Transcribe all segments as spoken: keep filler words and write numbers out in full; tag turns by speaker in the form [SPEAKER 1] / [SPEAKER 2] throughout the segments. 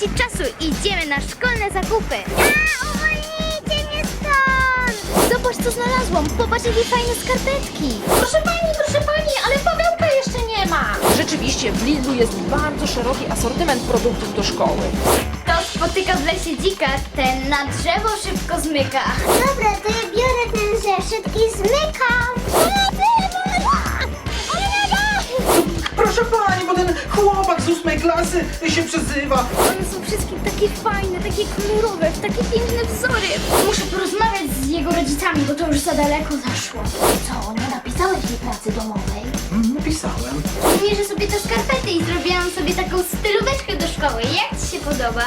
[SPEAKER 1] tracić czasu, idziemy na szkolne zakupy. A, uwolnijcie mnie stąd! Zobacz, co znalazłam. Popatrz, jakie fajne skarpetki.
[SPEAKER 2] Proszę pani, proszę pani, ale Pawełka jeszcze nie ma.
[SPEAKER 3] Rzeczywiście, w Lidlu jest bardzo szeroki asortyment produktów do szkoły.
[SPEAKER 1] Kto spotyka w lesie dzika, ten na drzewo szybko zmyka. Dobra, to ja biorę ten zeszyt i zmykam.
[SPEAKER 4] Proszę pani, bo ten chłopak z ósmej klasy się przezywa.
[SPEAKER 1] One są wszystkie takie fajne, takie kolorowe, w takie piękne wzory. Muszę porozmawiać z jego rodzicami, bo to już za daleko zaszło.
[SPEAKER 2] Co, nie napisałeś tej pracy domowej?
[SPEAKER 4] Mm, Napisałem.
[SPEAKER 1] Mierzę sobie te skarpety i zrobiłam sobie taką stylóweczkę do szkoły. Jak ci się podoba?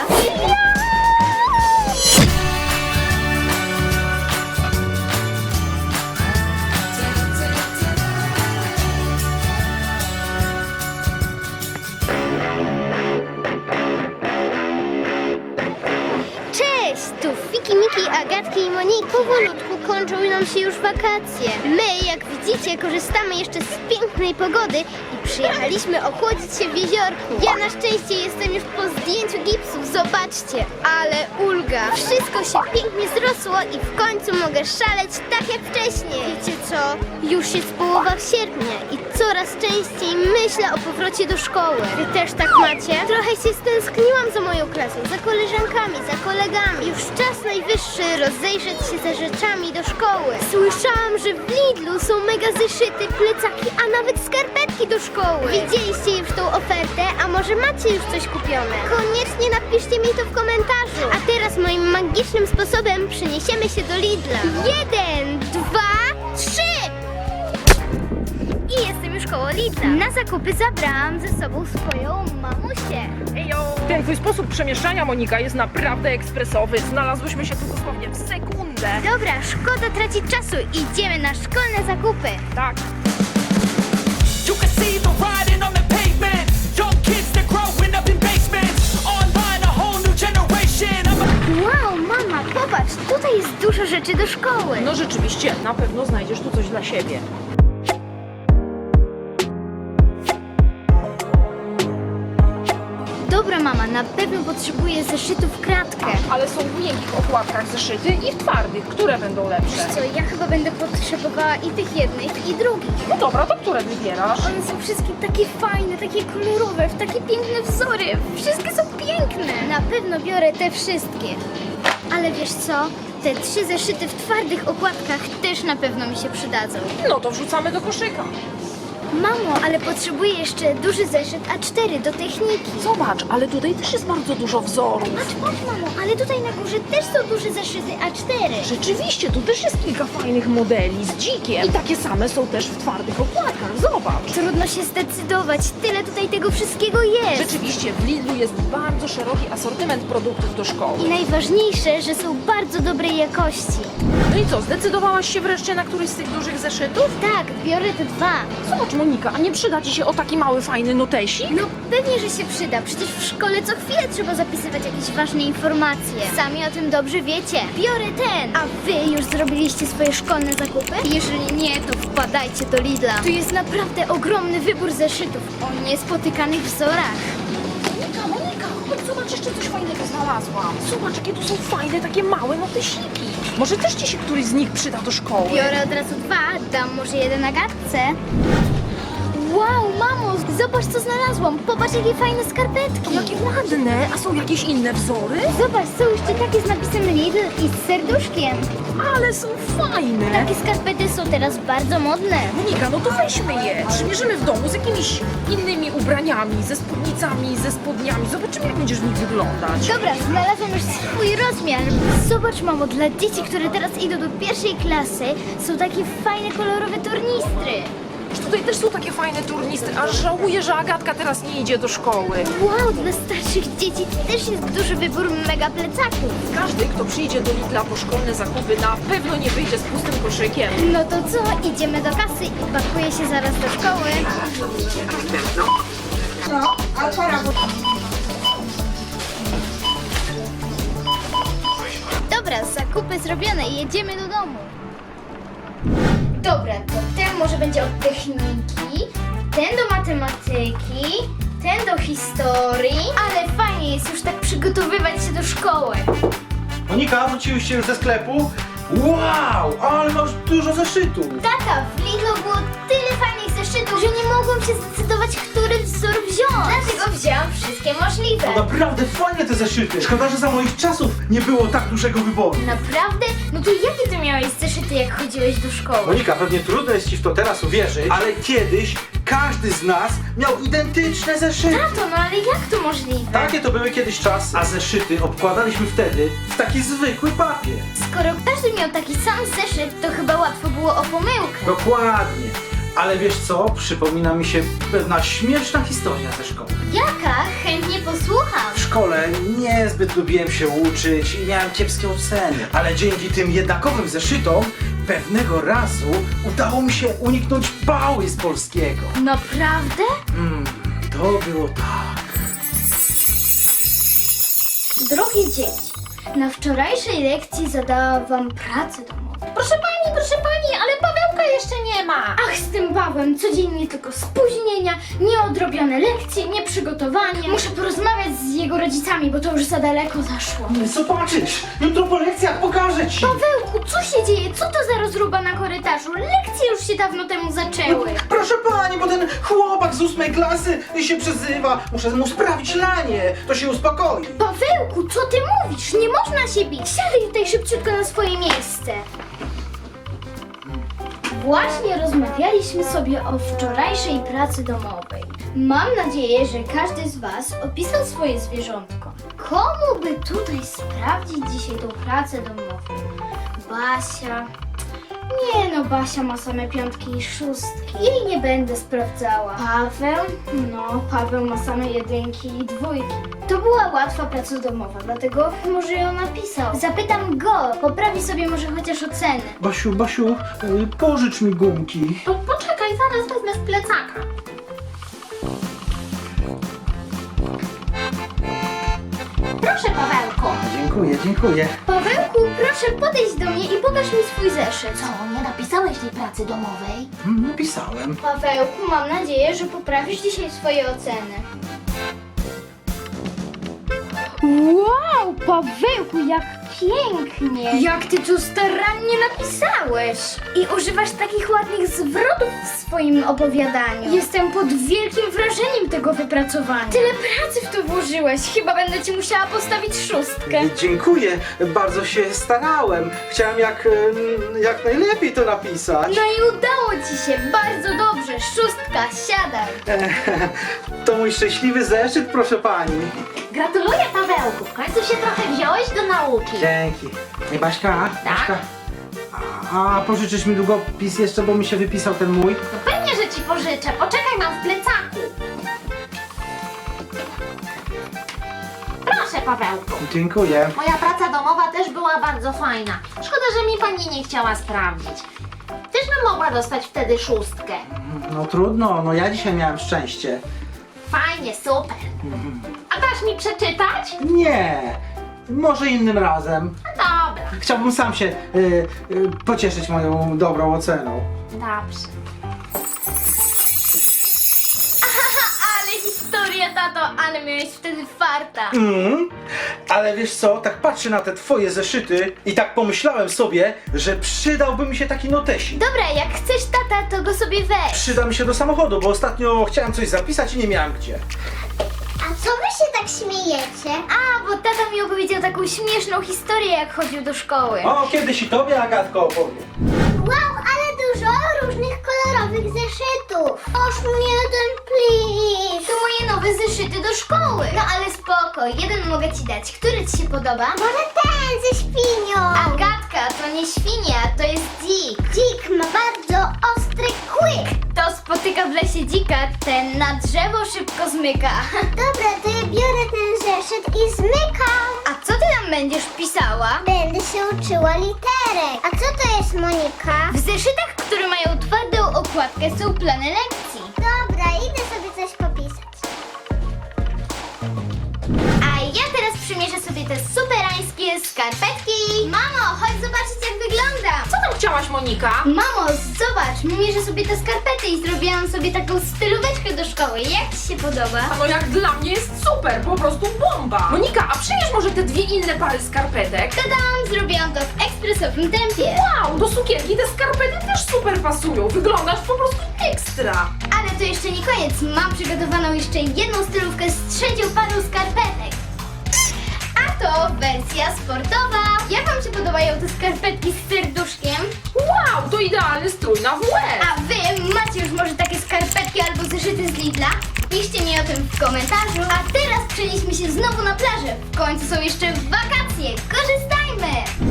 [SPEAKER 1] Cześć! Tu Fiki, Miki, Agatki i Moniki. Powolutku kończą nam się już wakacje. My, jak widzicie, korzystamy jeszcze z pięknej pogody i przyjechaliśmy ochłodzić się w jeziorku. Ja na szczęście jestem już po zdjęciu gipsów. Zobaczcie, ale ulga. Wszystko się pięknie zrosło i w końcu mogę szaleć tak jak wcześniej. Wiecie co? Już jest połowa sierpnia i coraz częściej myślę o powrocie do szkoły. Wy też tak macie? Trochę się stęskniłam za moją klasą, za koleżankami, za kolegami. Już czas najwyższy rozejrzeć się za rzeczami do szkoły. Słyszałam, że w Lidlu są mega zeszyty, plecaki, a nawet skarpetki do szkoły. Widzieliście już tą ofertę, a może macie już coś kupione? Koniecznie napiszcie mi to w komentarzu. A teraz moim magicznym sposobem przeniesiemy się do Lidla. Jeden, dwa, trzy! I jestem już koło Lidla. Na zakupy zabrałam ze sobą swoją mamusię.
[SPEAKER 3] Ten twój sposób przemieszczania, Monika, jest naprawdę ekspresowy. Znalazłyśmy się tu dosłownie w sekundę.
[SPEAKER 1] Dobra, szkoda tracić czasu. Idziemy na szkolne zakupy.
[SPEAKER 3] Tak.
[SPEAKER 5] You can see the riding on the pavement. Young kids, they're growing up in basements. Online, a whole new generation. I'm a
[SPEAKER 1] Wow, mama, popatrz, tutaj jest dużo rzeczy do szkoły.
[SPEAKER 3] No rzeczywiście, na pewno znajdziesz tu coś dla siebie.
[SPEAKER 1] Dobra, mama, na pewno potrzebuję zeszytów kratkę.
[SPEAKER 3] Ale są w miękkich okładkach zeszyty i w twardych. Które będą lepsze?
[SPEAKER 1] Co, ja chyba będę potrzebowała i tych jednych, i drugich.
[SPEAKER 3] No dobra, to które wybierasz?
[SPEAKER 1] One są wszystkie takie fajne, takie kolorowe, w takie piękne wzory. Wszystkie są piękne. Na pewno biorę te wszystkie. Ale wiesz co? Te trzy zeszyty w twardych okładkach też na pewno mi się przydadzą.
[SPEAKER 3] No to wrzucamy do koszyka.
[SPEAKER 1] Mamo, ale potrzebuję jeszcze duży zeszyt A cztery do techniki.
[SPEAKER 3] Zobacz, ale tutaj też jest bardzo dużo wzorów.
[SPEAKER 1] Patrz, patrz, mamo, ale tutaj na górze też są duże zeszyty A cztery.
[SPEAKER 3] Rzeczywiście, tu też jest kilka fajnych modeli z dzikiem. I takie same są też w twardych okładkach. Zobacz.
[SPEAKER 1] Trudno się zdecydować, tyle tutaj tego wszystkiego jest.
[SPEAKER 3] Rzeczywiście, w Lidlu jest bardzo szeroki asortyment produktów do szkoły.
[SPEAKER 1] I najważniejsze, że są bardzo dobrej jakości.
[SPEAKER 3] No i co, zdecydowałaś się wreszcie na któryś z tych dużych zeszytów?
[SPEAKER 1] Tak, biorę te dwa.
[SPEAKER 3] Zobacz, Monika, a nie przyda ci się o taki mały, fajny notesik?
[SPEAKER 1] No pewnie, że się przyda. Przecież w szkole co chwilę trzeba zapisywać jakieś ważne informacje. Sami o tym dobrze wiecie. Biorę ten. A wy już zrobiliście swoje szkolne zakupy? Jeżeli nie, to wpadajcie do Lidla. Tu jest naprawdę ogromny wybór zeszytów o niespotykanych wzorach.
[SPEAKER 3] Monika, Monika, chodź, zobacz, jeszcze coś fajnego znalazłam. Zobacz, jakie tu są fajne, takie małe notesiki. Może też ci się któryś z nich przyda do szkoły.
[SPEAKER 1] Biorę od razu dwa, dam może jeden Agatce. Wow, mamo, zobacz co znalazłam. Popatrz jakie fajne skarpetki.
[SPEAKER 3] Jakie ładne, a są jakieś inne wzory?
[SPEAKER 1] Zobacz, są jeszcze takie z napisem Lidl i z serduszkiem.
[SPEAKER 3] Ale są fajne.
[SPEAKER 1] Takie skarpety są teraz bardzo modne.
[SPEAKER 3] Monika, no to weźmy je. Przymierzymy w domu z jakimiś innymi ubraniami, ze spódnicami, ze spodniami. Zobaczymy, jak będziesz w nich wyglądać.
[SPEAKER 1] Dobra, znalazłam już swój rozmiar. Zobacz, mamo, dla dzieci, które teraz idą do pierwszej klasy, są takie fajne, kolorowe tornistry.
[SPEAKER 3] Tutaj też są takie fajne turnistry, aż żałuję, że Agatka teraz nie idzie do szkoły.
[SPEAKER 1] Wow, dla starszych dzieci też jest duży wybór mega plecaków.
[SPEAKER 3] Każdy, kto przyjdzie do Lidla po szkolne zakupy, na pewno nie wyjdzie z pustym koszykiem.
[SPEAKER 1] No to co? Idziemy do kasy i pakuję się zaraz do szkoły.
[SPEAKER 6] No, a pora, bo...
[SPEAKER 1] Dobra, zakupy zrobione, jedziemy do domu. Dobra, to ten może będzie od techniki, ten do matematyki, ten do historii, ale fajnie jest już tak przygotowywać się do szkoły.
[SPEAKER 4] Monika, wróciłyście już ze sklepu? Wow, ale masz dużo zeszytów.
[SPEAKER 1] Tata, w Lidlu było tyle fajnych zeszytów, że nie mogłam się zdecydować, który wzór wziąć. Dlatego wzięłam wszystkie możliwe.
[SPEAKER 4] No naprawdę fajne te zeszyty. Szkoda, że za moich czasów nie było tak dużego wyboru.
[SPEAKER 1] Naprawdę? No to jakie ty miałeś zeszyty, jak chodziłeś do szkoły?
[SPEAKER 4] Monika, pewnie trudno jest ci w to teraz uwierzyć, ale kiedyś każdy z nas miał identyczne zeszyty.
[SPEAKER 1] Tato, no ale jak to możliwe?
[SPEAKER 4] Takie to były kiedyś czasy, a zeszyty obkładaliśmy wtedy w taki zwykły papier.
[SPEAKER 1] Skoro każdy miał taki sam zeszyt, to chyba łatwo było o pomyłkę.
[SPEAKER 4] Dokładnie. Ale wiesz co? Przypomina mi się pewna śmieszna historia ze szkoły.
[SPEAKER 1] Jaka? Chętnie posłucham.
[SPEAKER 4] W szkole niezbyt lubiłem się uczyć i miałem kiepskie oceny, ale dzięki tym jednakowym zeszytom pewnego razu udało mi się uniknąć pały z polskiego.
[SPEAKER 1] Naprawdę?
[SPEAKER 4] Mm, to było tak.
[SPEAKER 1] Drogie dzieci, na wczorajszej lekcji zadałam wam pracę domową.
[SPEAKER 2] Proszę pani, proszę pani, ale Pawełka jeszcze nie ma.
[SPEAKER 1] Ach, z tym Pawłem codziennie tylko spóźnienia, nieodrobione lekcje, nieprzygotowanie. Muszę porozmawiać z jego rodzicami, bo to już za daleko zaszło.
[SPEAKER 4] Zobaczysz, jutro po lekcjach pokażę ci.
[SPEAKER 1] Pawełku, co się dzieje? Co to za rozruba na korytarzu? Lekcje już się dawno temu zaczęły.
[SPEAKER 4] Proszę pani, bo ten chłopak z ósmej klasy się przezywa. Muszę mu sprawić lanie, to się uspokoi.
[SPEAKER 1] Pawełku, co ty mówisz? Nie można się bić. Siadaj tutaj szybciutko na swoje miejsce. Właśnie rozmawialiśmy sobie o wczorajszej pracy domowej. Mam nadzieję, że każdy z was opisał swoje zwierzątko. Komu by tutaj sprawdzić dzisiaj tą pracę domową? Basia... Nie no, Basia ma same piątki i szóstki. Jej nie będę sprawdzała. Paweł? No, Paweł ma same jedynki i dwójki. To była łatwa praca domowa, dlatego może ją napisał. Zapytam go, poprawi sobie może chociaż ocenę.
[SPEAKER 4] Basiu, Basiu, y, pożycz mi gumki.
[SPEAKER 2] Po, poczekaj, zaraz wezmę z plecaka. Proszę, Pawełku.
[SPEAKER 4] Dziękuję, dziękuję.
[SPEAKER 1] Pawełku, proszę podejść do mnie i pokaż mi swój zeszyt.
[SPEAKER 2] Co, nie napisałeś tej pracy domowej?
[SPEAKER 4] Mm, Napisałem.
[SPEAKER 1] Pawełku, mam nadzieję, że poprawisz dzisiaj swoje oceny. Wow, Pawełku, jak pięknie! Jak ty tu starannie napisałeś! I używasz takich ładnych zwrotów w swoim opowiadaniu. Jestem pod wielkim wrażeniem tego wypracowania. Tyle pracy w to włożyłeś. Chyba będę ci musiała postawić szóstkę.
[SPEAKER 4] Dziękuję, bardzo się starałem. Chciałem jak, em, jak najlepiej to napisać.
[SPEAKER 1] No i udało ci się, bardzo dobrze. Szóstka, siadaj.
[SPEAKER 4] To mój szczęśliwy zeszyt, proszę pani.
[SPEAKER 2] Gratuluję, Pawełku. W końcu się trochę wziąłeś do nauki.
[SPEAKER 4] Dzięki. Ej, Baśka,
[SPEAKER 2] Tak?
[SPEAKER 4] Baśka. A, a pożyczysz mi długopis jeszcze, bo mi się wypisał ten mój?
[SPEAKER 2] No pewnie, że ci pożyczę. Poczekaj, mam w plecaku. Proszę, Pawełku.
[SPEAKER 4] Dziękuję.
[SPEAKER 2] Moja praca domowa też była bardzo fajna. Szkoda, że mi pani nie chciała sprawdzić. Też bym mogła dostać wtedy szóstkę.
[SPEAKER 4] No trudno, no ja dzisiaj miałem szczęście.
[SPEAKER 2] Fajnie, super. A dasz mi przeczytać?
[SPEAKER 4] Nie, może innym razem.
[SPEAKER 2] No dobra,
[SPEAKER 4] Chciałbym sam się y, y, pocieszyć moją dobrą oceną.
[SPEAKER 2] dobrze.
[SPEAKER 1] Ale historia, tato, ale miałeś wtedy farta.
[SPEAKER 4] Mm, ale wiesz co, tak patrzę na te twoje zeszyty i tak pomyślałem sobie, że przydałby mi się taki notesik.
[SPEAKER 1] Dobra, jak chcesz, tata, to go sobie weź.
[SPEAKER 4] Przyda mi się do samochodu, bo ostatnio chciałem coś zapisać i nie miałem gdzie.
[SPEAKER 1] A co wy się tak śmiejecie? A, bo tata mi opowiedział taką śmieszną historię, jak chodził do szkoły.
[SPEAKER 4] O, kiedyś i tobie Agatko opowiem.
[SPEAKER 1] Wow, ale dużo różnych kolorowych zeszytów. Oż mnie ten plis. To moje nowe zeszyty do szkoły. No ale spoko, jeden mogę ci dać. Który ci się podoba? Może ten ze świnią. Agatka, to nie świnia, to jest dzik. Dzik ma bardzo ostry kłyk. Kto spotyka w lesie dzika, ten na drzewo szybko zmyka. Dobra, to ja biorę ten zeszyt i zmykam. A co ty tam będziesz pisała? Będę się uczyła literek. A co to jest, Monika? W zeszytach, które mają twardą okładkę, są plany lekcji. Dobra, idę sobie coś popisać. A ja teraz przymierzę sobie te superańskie skarpetki. Mamo, chodź zobaczyć, jak wyglądam.
[SPEAKER 2] Co tam chciałaś
[SPEAKER 3] wybrałaś, Monika?
[SPEAKER 1] Mamo, zobacz, mierzę sobie te skarpety i zrobiłam sobie taką stylóweczkę do szkoły. Jak ci się podoba?
[SPEAKER 3] A no jak dla mnie jest super, po prostu bomba. Monika, a przynieś może te dwie inne pary skarpetek?
[SPEAKER 1] Tadam, zrobiłam to w ekspresowym tempie.
[SPEAKER 3] Wow, do sukienki te skarpety też super pasują. Wyglądasz po prostu ekstra.
[SPEAKER 1] Ale to jeszcze nie koniec. Mam przygotowaną jeszcze jedną stylówkę z trzecią parą skarpetek. A to wersja sportowa. Jak wam się podobają te skarpetki z serduszkiem?
[SPEAKER 3] Wow, to idealny strój na W F.
[SPEAKER 1] A wy macie już może takie skarpetki albo zeszyty z Lidla? Piszcie mi o tym w komentarzu. A teraz przenieśmy się znowu na plażę. W końcu są jeszcze wakacje. Korzystajmy!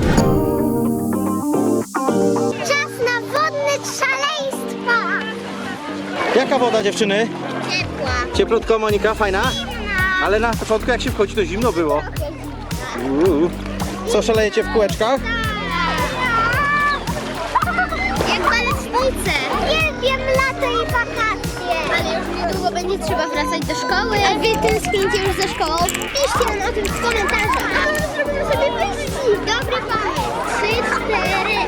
[SPEAKER 1] Czas na wodne szaleństwa!
[SPEAKER 4] Jaka woda, dziewczyny?
[SPEAKER 1] Ciepła.
[SPEAKER 4] Cieplutko, Monika, fajna? Ale na początku jak się wchodzi, to zimno było. Uuu. Co, szalejecie w kółeczkach?
[SPEAKER 1] Jak balet słońce. Uwielbiam lato i wakacje. Ale już niedługo będzie trzeba wracać do szkoły. A wy tęsknicie już za szkołą? Piszcie nam o tym w komentarzach. A może zrobimy sobie wyścig? Dobry pomysł. Trzy, cztery.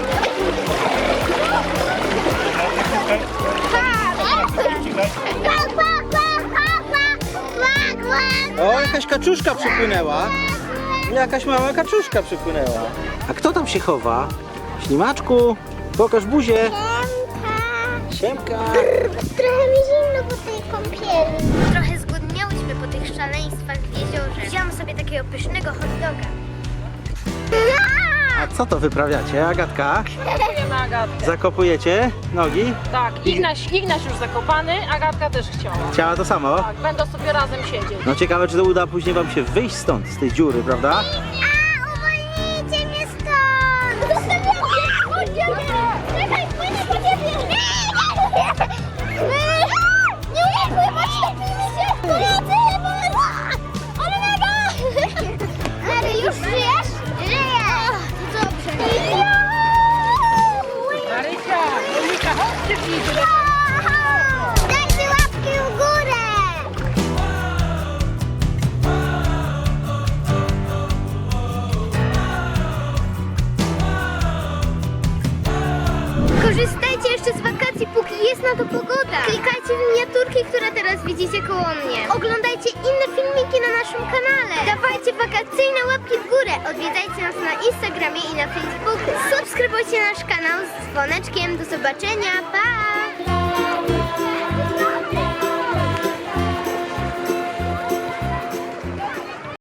[SPEAKER 1] Pa, pa, pa, pa, pa, pa, pa.
[SPEAKER 4] O, jakaś kaczuszka przypłynęła. Jakaś mała kaczuszka przypłynęła. A kto tam się chowa? Ślimaczku, pokaż buzię. Siemka.
[SPEAKER 1] Trochę mi zimno po tej kąpieli. Trochę zgłodniałyśmy po tych szaleństwach w jeziorze. Wziąłam sobie takiego pysznego hot doga.
[SPEAKER 4] A co to wyprawiacie, Agatka?
[SPEAKER 3] Na Agatkę.
[SPEAKER 4] Zakopujecie nogi?
[SPEAKER 3] Tak, Ignaś, Ignaś już zakopany, Agatka też chciała.
[SPEAKER 4] Chciała to samo?
[SPEAKER 3] Tak, będą sobie razem siedzieć.
[SPEAKER 4] No ciekawe, czy to uda później wam się wyjść stąd, z tej dziury, prawda?
[SPEAKER 1] A, uwolnijcie mnie stąd! Zostawiam cię! Czekaj, płynę po ciebie! Nie, nie, pływać się! Pomocy, pomocy! Ale naga! Ale już żyjesz? Żyję! To dobrze.
[SPEAKER 3] Marysia, Monika, chodźcie bliżej.
[SPEAKER 1] Dajcie łapki w górę! Korzystajcie jeszcze z wakacji, póki jest na to pogoda. Klikajcie w miniaturki, które teraz widzicie koło mnie. Oglądajcie inne filmiki na naszym kanale. Dawajcie wakacyjne łapki w górę. Odwiedzajcie nas na Instagramie i na Facebooku. Subskrybujcie nasz kanał z dzwoneczkiem. Do zobaczenia. Pa!